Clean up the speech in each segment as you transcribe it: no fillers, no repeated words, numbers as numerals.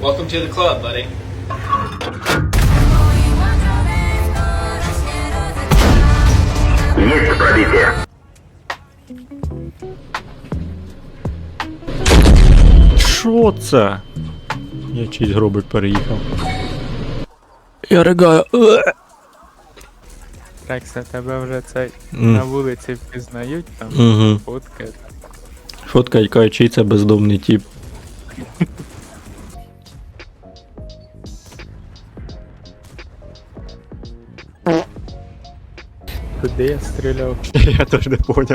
Welcome to the club, buddy. Есть пробитие. Що це? Я чийсь гробик переїхав. Я ригаю. Рекса, тебе вже цей на вулиці впізнають там, Угу. фотки. Фотка, яка чий це бездомний тип. Куди я стріляв? Я теж не поняв.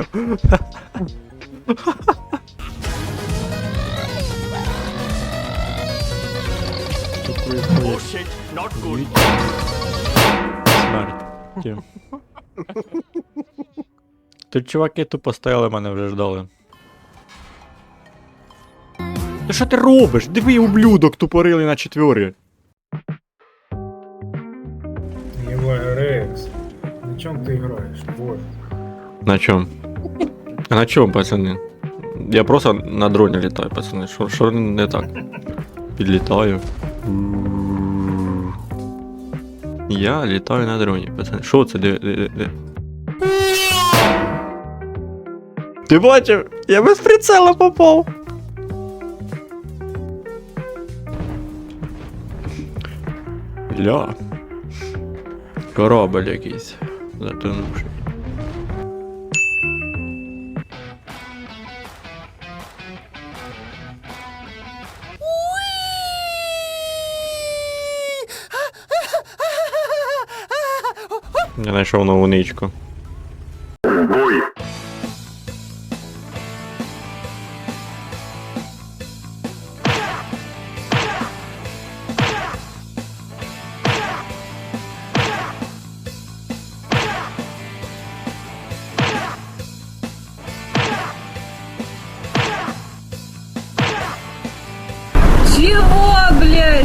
Смерть. Ті. Тут чуваки тупо стояли, мене вже ждали. Та що ти робиш? Диви, ублюдок тупорилий на четвері. Ебать, Рекс, на чем ты играешь? Боже. На чому? А на чому, пацани? Я просто на дроні літаю, пацани. Що не так? Підлітаю. Я літаю на дроні, пацани. Що це? Де? Ти бачив? Я без прицела попав. Ля. Корабль якийсь. Затонувший. Я знайшов нову ничку. Бой. Чего, блядь?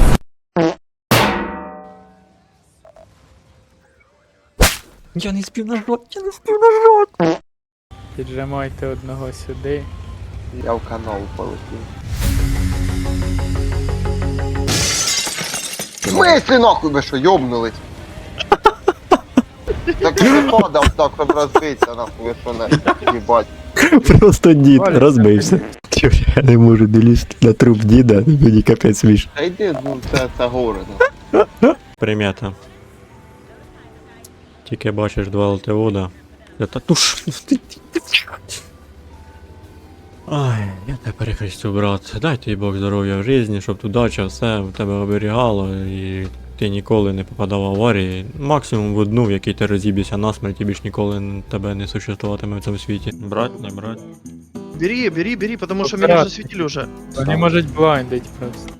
Я не спів нажать, Піджимайте одного сюди. Я в канал полетів. В смысле нахуй ви що, йобнулись? Так я не падав так, щоб розбитися нахуй, ви що не їбать. Просто дід розбився. Я не можу долізти на труп діда, мені капець смішно. Та йди, ну це горе, ну. Примета. Тільки бачиш два ЛТО, да. Та туш. Ай, я тебе перехрестю, брат. Дай тобі Бог здоров'я в житті, щоб удача все в тебе оберігало і ти ніколи не попадав в аварії. Максимум в одну, в якій ти розіб'єшся насмерть і більш ніколи тебе не существуватиме в цьому світі. Брать, не брать. Бери, потому что меня уже засветили уже. Вони можуть блайндить просто.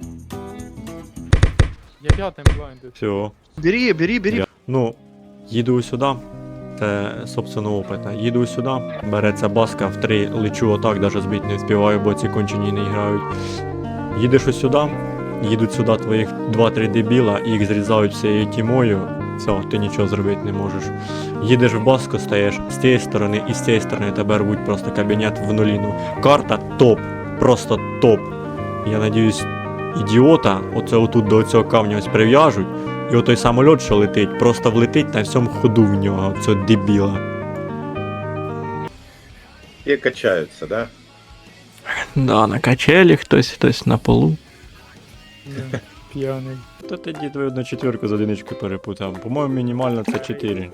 Я п'ятим блайндив. Все. Бери. Ну, їду сюди. Це, собственно, опитно. Їду сюди, береться баска в 3, лечу отак, даже збити не вспіваю, бо ці кончені не грають. Їдеш ось сюди, їдуть сюди твоїх 2-3 дебіла, і їх зрізають всією тімою. Все, ти нічого зробити не можеш. Їдеш в баску, стаєш з цієї сторони і з цієї сторони тебе рвуть просто кабінет в нуліну. Карта топ, просто топ. Я надіюсь, ідіота, оце отут до цього камня ось прив'яжуть. І отой самоліт, що летить, просто влетить на всьому ходу в нього, цього дебіла. И качаются, да? Да, на качелі хтось на полу. П'яний. Та ти дід ви одну четвірку з одиничкою перепутав. По-моєму, мінімально це 4.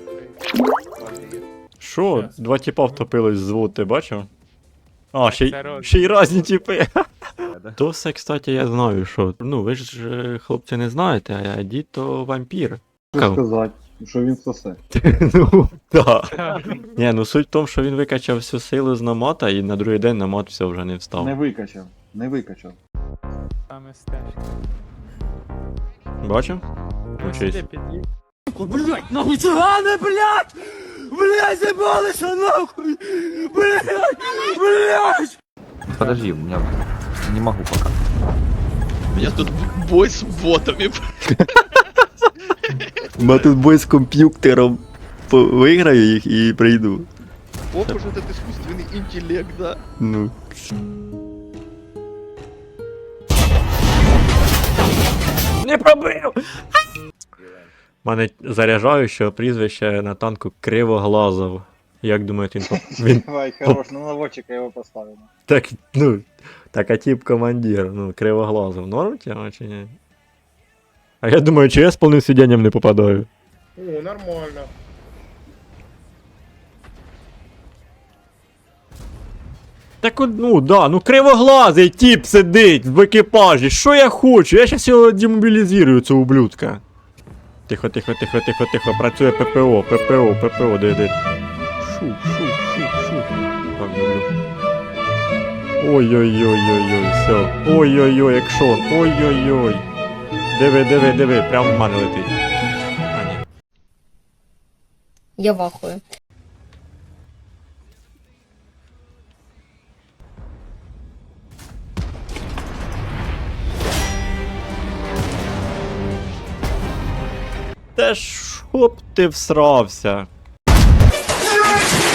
Що? Два тіпа втопились з вод, ти бачив? А, ще й разні тіпи. То все, кстати, я знаю, що. Ну, ви ж, хлопці, не знаєте, а дід то вампір. Що сказати, що він сосе. Ну, так. Ні, ну суть в тому, що він викачав всю силу з намата і на другий день намат все вже не встав. Не викачав. Саме стежка. Бачив? Ось Учись. сюди під'їдь. Блядь, нахуй цыганы, блядь! Блядь, забалось, нахуй! Блядь! Подожди, у меня не могу пока. У меня тут бой с ботами. Ма тут бой з комп'ютером. Виграю їх і прийду. Оп, уже этот искусственный интеллект, да. Ну. не пробив! У мене заряджаючого прізвище на танку Кривоглазов. Як думаєте, він Давай, хорош, на наводчика его поставим. так, ну, так, а тип командир, ну, Кривоглазов, норм тема чи ні? А я думаю, чи я з повним сидінням не попадаю? О, нормально. Так от, ну, да, ну кривоглазий тип сидить в екіпажі, що я хочу? Я щас його демобілізую, цього ублюдка. Тихо, тихо, тихо, тихо, тихо, працює ППО, де. Шу. Так, люблю. Ой-ой-ой-ой-ой, все. Ой-ой-ой, екшон, ой-ой-ой. Диви, прямо в мене летить. А, ні. Я вахую. Та щоб ти всрався.